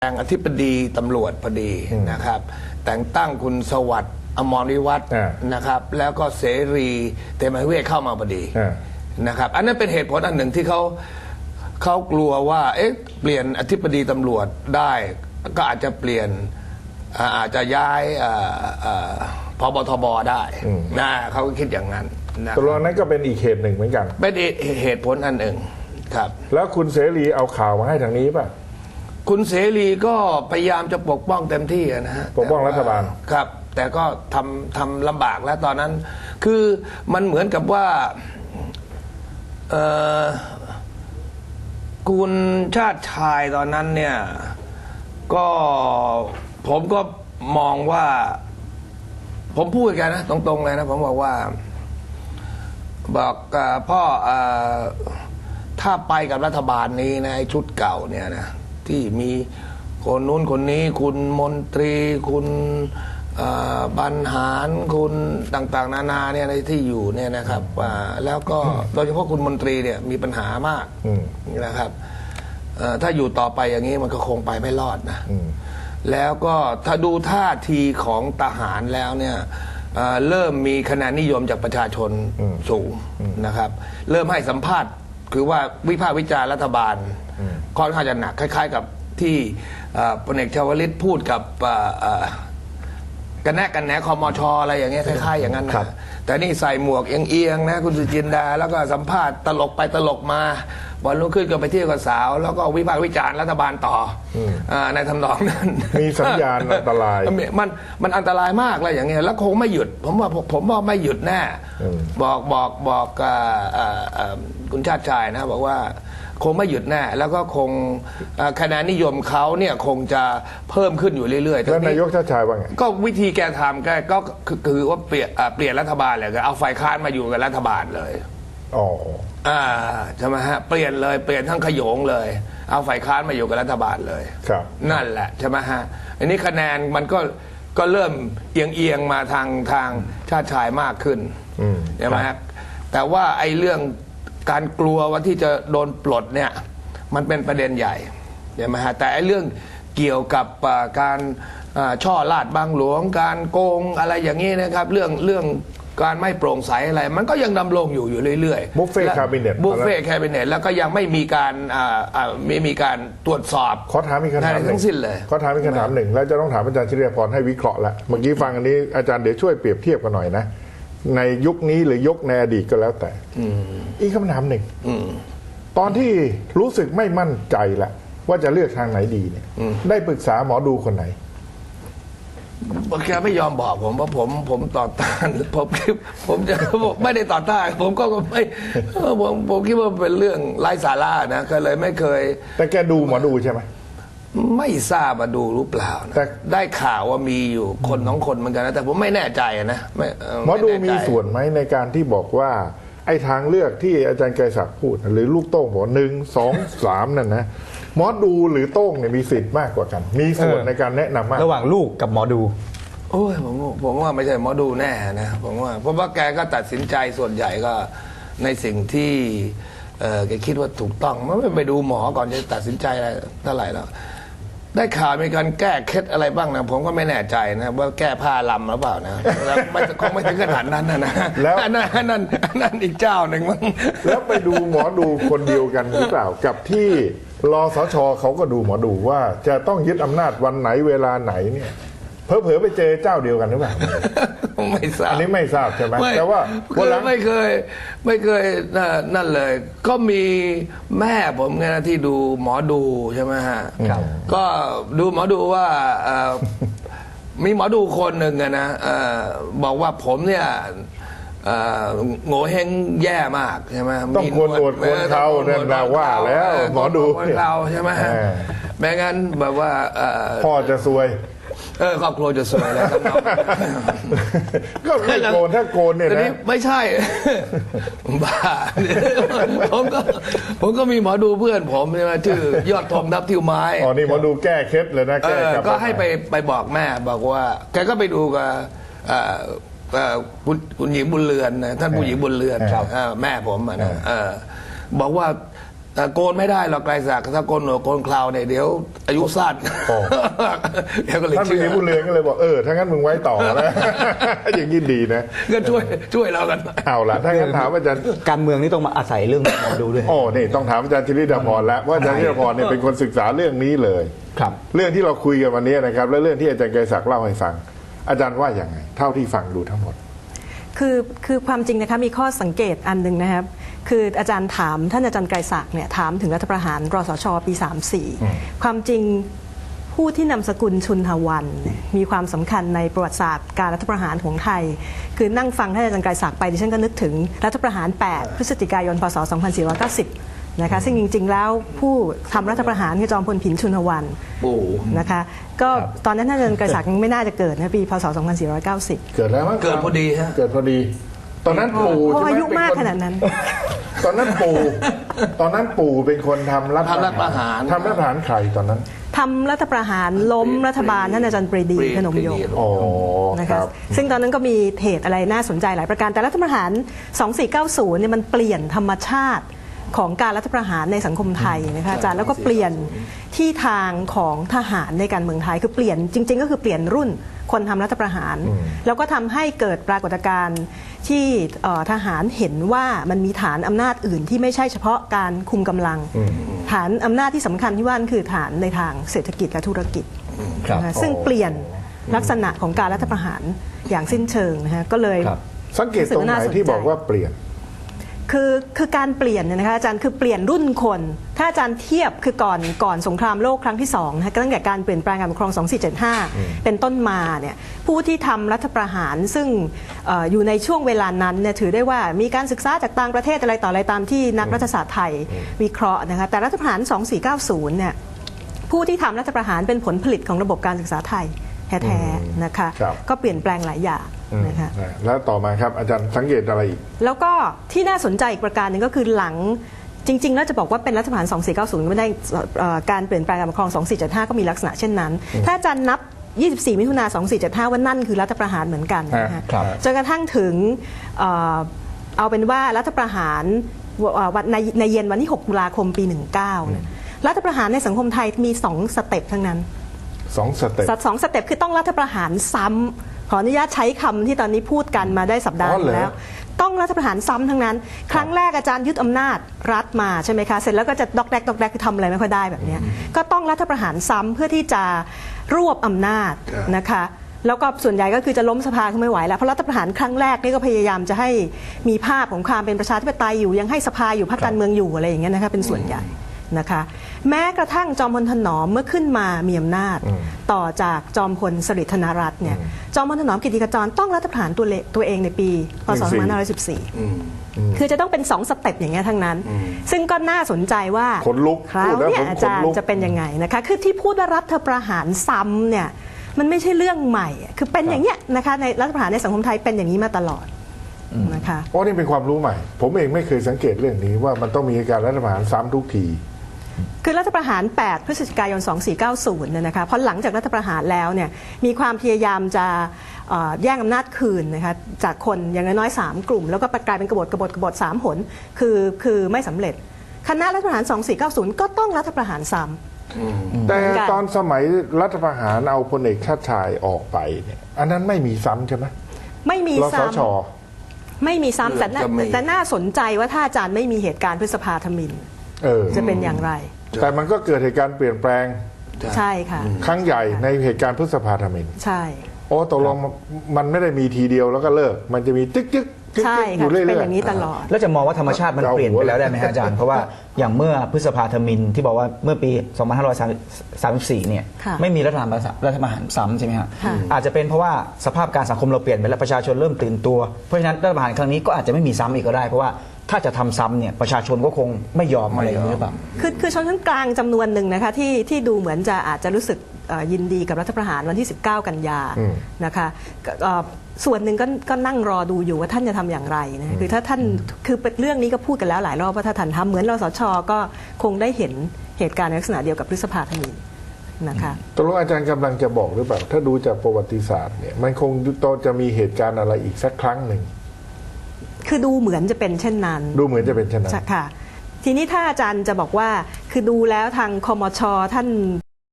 แต่งอธิบดีตำรวจพอดีนะครับแต่งตั้งคุณสวัสดิ์อมรวิวัฒน์นะครับแล้วก็เสรีเตมียเวทเข้ามาพอดีนะครับอันนั้นเป็นเหตุผลอันหนึ่งที่เขากลัวว่าเปลี่ยนอธิบดีตำรวจได้ก็อาจจะเปลี่ยนอาจจะย้ายพบทบได้นะเขาคิดอย่างนั้นนะตกลงนั้นก็เป็นอีกเหตุหนึ่งเหมือนกันเป็นเหตุผลอันหนึ่งครับแล้วคุณเสรีเอาข่าวมาให้ทางนี้ป่ะคุณเสรีก็พยายามจะปกป้องเต็มที่นะฮะปกป้องรัฐบาลครับแต่ก็ทำลำบากแล้วตอนนั้นคือมันเหมือนกับว่าคุณชาติชายตอนนั้นเนี่ยก็ผมก็มองว่าผมพูดกันนะตรงๆเลยนะผมบอกว่าบอกพ่อถ้าไปกับรัฐบาลนี้นะชุดเก่าเนี่ยนะที่มีคนนู้นคนนี้คุณมนตรีคุณบรรหารคุณต่างๆนานาเนี่ยในที่อยู่เนี่ยนะครับแล้วก็โดยเฉพาะคุณมนตรีเนี่ยมีปัญหามากนะครับถ้าอยู่ต่อไปอย่างนี้มันก็คงไปไม่รอดนะแล้วก็ถ้าดูท่าทีของทหารแล้วเนี่ยเริ่มมีคะแนนนิยมจากประชาชนสูงนะครับเริ่มให้สัมภาษณ์คือว่าวิพากษ์วิจารณ์รัฐบาลค่อนข้างจะหนักคล้ายๆกับที่พลเอกชวลิตพูดกับกันแหนคมชอะไรอย่างเงี้ยคล้ายๆอย่างนั้นนะแต่นี่ใส่หมวกเอียงๆนะคุณสุจินดาแล้วก็สัมภาษณ์ตลกไปตลกมาวันรุ่งขึ้นก็ไปเที่ยวกับสาวแล้วก็วิพากษ์วิจารณ์รัฐบาลต่อในทำนองนั้นมีสัญญาณอันตรายมันอันตรายมากเลยอย่างเงี้ยแล้วคงไม่หยุดผมว่าไม่หยุดแน่บอกคุณชาติชายนะบอกว่าคงไม่หยุดแน่แล้วก็คงคะแนนนิยมเขาเนี่ยคงจะเพิ่มขึ้นอยู่เรื่อยๆแล้วนายกชาติชายว่าไงก็วิธีแกทำก็คือว่าเปลี่ยนรัฐบาลเลยก็เอาฝ่ายค้านมาอยู่กับรัฐบาลเลยใช่ไหมฮะเปลี่ยนเลยเปลี่ยนทั้งขโยงเลยเอาฝ่ายค้านมาอยู่กับรัฐบาลเลยครับนั่นแหละใช่ไหมฮะอันนี้คะแนนมันก็เริ่มเอียงมาทางชาติชายมากขึ้นใช่ไหมฮะแต่ว่าไอ้เรื่องการกลัวว่าที่จะโดนปลดเนี่ยมันเป็นประเด็นใหญ่ใช่ไหมฮะแต่ไอ้เรื่องเกี่ยวกับการช่อลาดบางหลวงการโกงอะไรอย่างนี้นะครับเรื่องการไม่โปร่งใสอะไรมันก็ยังดำรงอยู่เรื่อยๆบุฟเฟ่คาบิเนตแล้วก็ยังไม่มีการตรวจสอบขอถามอีกคำถามทั้งสิ้นเลยขอถามอีกคำถามหนึ่งแล้วจะต้องถามอาจารย์ชิเรียพรให้วิเคราะห์ละเมื่อกี้ฟังอันนี้อาจารย์เดี๋ยวช่วยเปรียบเทียบกันหน่อยนะในยุคนี้หรือยุคในอดีตก็แล้วแต่อีกคำถามหนึ่งตอนที่รู้สึกไม่มั่นใจละว่าจะเลือกทางไหนดีเนี่ยได้ปรึกษาหมอดูคนไหนแกไม่ยอมบอกผมเพราะผมต่อต้านผมจะไม่ได้ต่อต้านผมก็ไม่ผมคิดว่าเป็นเรื่องไร้สาระนะก็เลยไม่เคยแต่แกดูหมอดูใช่ไหมไม่ทราบมาดูรู้เปล่านะแต่ได้ข่าวว่ามีอยู่คน2 คนเหมือนกันนะแต่ผมไม่แน่ใจนะหมอดูมีส่วนไหมในการที่บอกว่าไอ้ทางเลือกที่อาจารย์ไกรศักดิ์พูดหรือลูกโต้งบอก1 2 3นั่นนะหมอดูหรือโต้งเนี่ยมีสิทธิ์มากกว่ากันมีส่วนในการแนะนำมากระหว่างลูกกับหมอดูโอ้ยผมว่าไม่ใช่หมอดูแน่นะผมว่าเพราะว่าแกก็ตัดสินใจส่วนใหญ่ก็ในสิ่งที่แกคิดว่าถูกต้องไม่ไปดูหมอก่อนจะตัดสินใจอะไรเท่าไหร่แล้วได้ข่าวมีการแก้เคล็ดอะไรบ้างนะผมก็ไม่แน่ใจนะว่าแก้ผ้าลำหรือเปล่านะแล้วคงไม่ถึงขนาดนั้นนะแล้วนั่นอีกเจ้าหนึ่งมั้งแล้วไปดูหมอดูคนเดียวกันหรือเปล่ากับที่รสช.เขาก็ดูหมอดูว่าจะต้องยึดอำนาจวันไหนเวลาไหนเนี่ยเผลอไปเจอเจ้าเดียวกันหรือเปล่าไม่ทราบอันนี้ไม่ทราบใช่ไหมแต่ว่าไม่เคยนั่นเลยก็มีแม่ผมไงนะที่ดูหมอดูใช่ไหมฮะก็ดูหมอดูว่ามีหมอดูคนหนึ่งนะบอกว่าผมเนี่ยโง่เฮงแย่มากใช่ไหมต้องควรอดควรเขาเนี่ยเราว่าแล้วหมอดูเราใช่ไหมฮะแม้งั้นแบบว่าพ่อจะซวยครอบครัวจะสวยแล้วก็ไม่โกนถ้าโกนเนี่ยนะไม่ใช่บ้าผมก็มีหมอดูเพื่อนผมใช่ไหมชื่อยอดทองนับทิวไม้อ๋อนี่หมอดูแก้เคล็ดเลยนะแก้ก็ให้ไปบอกแม่บอกว่าแกก็ไปดูกับคุณหญิงบุญเรือนนะท่านผู้หญิงบุญเรือนแม่ผมนะบอกว่าโกนไม่ได้หรอกไกรศักดิ์ถ้าโกนหนวดโกนเคราวเนี่ยเดี๋ยวอายุสั้นโอ้เดี๋ยวก็เลยท่านปเชื่รีอดีบุญเรืองก็เลยบอกถ้างั้นมึงไว้ต่อนะ อย่างนี้ดีนะก็ช่วยเรากันเอาล่ะถ้างั้นถามอาจารย์การเมืองนี่ต้องมาอาศัยเรื่องหมอดูด้วยโอ้นี่ต้องถามอาจารย์ชลิดาพรแล้วเพราะอาจารย์ชลิดาพรเนี่ยเป็นคนศึกษาเรื่องนี้เลยครับเรื่องที่เราคุยกันวันนี้นะครับและเรื่องที่อาจารย์ไกรศักดิ์เล่าให้ฟัง อาจารย์ว่าอย่างไงเท่าที่ฟังดูทั้งหมดคือความจริงนะคะมีข้อสังเกตอันหนึ่งนะครับคืออาจารย์ถามท่านอาจารย์ไกรศักดิ์เนี่ยถามถึงรัฐประหารรสชปี 34 ความจริงผู้ที่นำสกุลชุนทวันเนี่ยมีความสำคัญในประวัติศาสตร์การรัฐประหารของไทย คือนั่งฟังท่านอาจารย์ไกรศักดิ์ไปดิฉันก็นึกถึงรัฐประหาร 8 พฤศจิกายน พศ 2490 นะคะซึ่งจริงๆแล้วผู้ทำรัฐประหารคือจอมพลผินชุนทวันโอ้นะคะก็ตอนนั้นท่านอาจารย์ไกรศักดิ์ยังไม่น่าจะเกิดนะปีพศ 2490 เกิดแล้วมั้งเกิดพอดีฮะเกิดพอดี ตอนนั้นปู่เพราะใช่ไหมอายุมากเป็คขนาดนั้นตอนนั้นปู่เป็นคนทำรัฐทำรัฐประหารทำรัฐประหารใครตอนนั้นทำรัฐประหารล้มรัฐบาลท่านอาจารย์ปรีดีพนมยงค์อ๋อนะคคะรับซึ่งตอนนั้นก็มีเหตุอะไรน่าสนใจหลายประการแต่รัฐประหาร 2490 เนี่ยมันเปลี่ยนธรรมชาติของการรัฐประหารในสังคมไทยนะคะอาจารย์แล้วก็เปลี่ยนที่ทางของทหารในการเมืองไทยคือเปลี่ยนจริงๆก็คือเปลี่ยนรุ่นคนทำรัฐประหาร แล้วก็ทำให้เกิดปรากฏการณ์ที่ทหารเห็นว่ามันมีฐานอำนาจอื่นที่ไม่ใช่เฉพาะการคุมกำลัง ฐานอำนาจที่สำคัญที่ว่านั่นคือฐานในทางเศรษฐกิจและธุรกิจครับนะคะซึ่งเปลี่ยนลักษณะของการรัฐประหารอย่างสิ้นเชิงนะคะก็เลยครับสังเกตตรงไหนที่บอกว่าเปลี่ยนคือการเปลี่ยนเนี่ยนะคะอาจารย์คือเปลี่ยนรุ่นคน ถ้าอาจารย์เทียบคือก่อนสงครามโลกครั้งที่2นะคะตั้งแต่การเปลี่ยนแปลงการปกครอง 2475 เป็นต้นมาเนี่ยผู้ที่ทำรัฐประหารซึ่งอยู่ในช่วงเวลานั้นเนี่ยถือได้ว่ามีการศึกษาจากต่างประเทศอะไรต่ออะไรตามที่นักรัฐศาสตร์ไทยวิเคราะห์นะคะแต่รัฐประหาร 2490 เนี่ยผู้ที่ทำรัฐประหารเป็นผลผลิตของระบบการศึกษาไทยแท้ๆนะคะครับก็เปลี่ยนแปลงหลายอย่างนะคะแล้วต่อมาครับอาจารย์สังเกตอะไรอีกแล้วก็ที่น่าสนใจอีกประการหนึ่งก็คือหลังจริงๆแล้วจะบอกว่าเป็นรัฐประหาร 2490 ไม่ได้การเปลี่ยนแปลงการปกครอง 2475 ก็มีลักษณะเช่นนั้น ถ้าอาจารย์นับ 24 มิถุนา 2475 ว่านั่นคือรัฐประหารเหมือนกันนะฮะครับจนกระทั่งถึงเอาเป็นว่ารัฐประหารในเย็นวันที่ 6 ตุลาคมปี 19เนี่ยรัฐประหารในสังคมไทยมี 2 สเต็ปทั้งนั้น 2 สเต็ปสองสเต็ปคือต้องรัฐประหารซ้ำขออนุญาตใช้คำที่ตอนนี้พูดกันมาได้สัปดาห์อ๋อเหรอแล้ว ต้องรัฐประหารซ้ำทั้งนั้น ครั้งแรกอาจารย์ยึดอำนาจรัฐมาใช่ไหมคะเสร็จแล้วก็จะดอกแดกคือทำอะไรไม่ค่อยได้แบบเนี้ยก็ต้องรัฐประหารซ้ำเพื่อที่จะรวบอำนาจนะคะแล้วก็ส่วนใหญ่ก็คือจะล้มสภาคือไม่ไหวแล้วเพราะรัฐประหารครั้งแรกนี่ก็พยายามจะให้มีภาพของความเป็นประชาธิปไตยอยู่ยังให้สภาอยู่พรรคการเมืองอยู่อะไรอย่างเงี้ยนะคะเป็นส่วนใหญ่นะคะแม้กระทั่งจอมพลถนอมเมื่อขึ้นมามีอำนาจต่อจากจอมพลสฤษดิ์ธนรัตน์เนี่ยจอมพลถนอมกิติขจรต้องรัฐประหารตัวเองในปีพศ 2514 คือจะต้องเป็น 2 สเต็ปอย่างเงี้ยทั้งนั้น ซึ่งก็น่าสนใจว่าขนลุกคราวพูดแล้วเนี่ยผมอาจารขนลุย์กจะเป็นยังไงนะคะคือที่พูดว่ารัฐประหารซ้ำเนี่ยมันไม่ใช่เรื่องใหม่คือเป็นอย่างเงี้ยนะคะในรัฐประหารในสังคมไทยเป็นอย่างนี้มาตลอดนะคะโอ้นี่เป็นความรู้ใหม่ ผมเองไม่เคยสังเกตเรื่องนี้ว่ามันต้องมีการรัฐประหารซ้ำทุกทีคือรัฐประหาร 8 พฤศจิกายน 2490 เนี่ยนะคะเพราะหลังจากรัฐประหารแล้วเนี่ยมีความพยายามจะแย่งอำนาจคืนนะคะจากคนอย่างน้อยๆ3กลุ่ม แล้วก็กลายเป็นกบฏ3 หนคือไม่สำเร็จ คณะรัฐประหาร 2490 ก็ต้องรัฐประหารซ้ำแต่เหมือนกันตอนสมัยรัฐประหารเอาพลเอกชาติชายออกไปเนี่ยอันนั้นไม่มีซ้ำใช่ไหมไม่มีรสซ้ชำไม่มีซ้ำเกือบจะมีแต่น่าสนใจว่าถ้าอาจารย์ไม่มีเหตุการณ์พฤษภาธมิฬ จะเป็นอย่างไรแต่มันก็เกิดเหตุการณ์เปลี่ยนแปลงใช่ค่ะครั้งใหญ่ในเหตุการณ์พฤษภาธมิฬใช่โอ้ตกลงมันไม่ได้มีทีเดียวแล้วก็เลิก มันจะมีจึ๊กจึ๊กจึ๊กใช่จึ๊กอค่ะยู่เรื่อยๆเป็นอย่างนี้ตลอดแล้วจะมองว่าธรรมชาติมันเปลี่ยนไปแล้วได้ไหมฮะอาจารย์ เพราะว่าอย่างเมื่อพฤษภาธมิฬที่บอกว่าเมื่อปี 2534 เนี่ยค่ะไม่มีรัฐประหารซ้ำใช่ไหมฮะค่ะอาจจะเป็นเพราะว่าสภาพการสังคมเราเปลี่ยนไปแล้วประชาชนเริ่มตื่นตัว เพราะฉะนั้นรัฐประหารครั้งนี้ก็อาจจะไม่มีซ้ำอีกก็ได้เพราะว่าถ้าจะทำซ้ำเนี่ยประชาชนก็คงไม่ยอมอะไรอย่างนี้หรือเปล่าคือชนชั้นกลางจำนวนหนึ่งนะคะที่ดูเหมือนจะอาจจะรู้สึกยินดีกับรัฐประหารวันที่ 19 กันยานะคะส่วนหนึ่งก็นั่งรอดูอยู่ว่าท่านจะทำอย่างไรนะคือถ้าท่านคือเรื่องนี้ก็พูดกันแล้วหลายรอบว่าถ้าท่านทำเหมือนรสช.ก็คงได้เห็นเหตุการณ์ในลักษณะเดียวกับพฤษภาธมิฬนะคะตกลงอาจารย์กำลังจะบอกหรือเปล่า ถ้าดูจากประวัติศาสตร์เนี่ยมันคงจะมีเหตุการณ์อะไรอีกสักครั้งหนึ่งคือดูเหมือนจะเป็นเช่นนั้นดูเหมือนจะเป็นเช่นนั้นค่ะทีนี้ถ้าอาจารย์จะบอกว่าคือดูแล้วทางคมชท่าน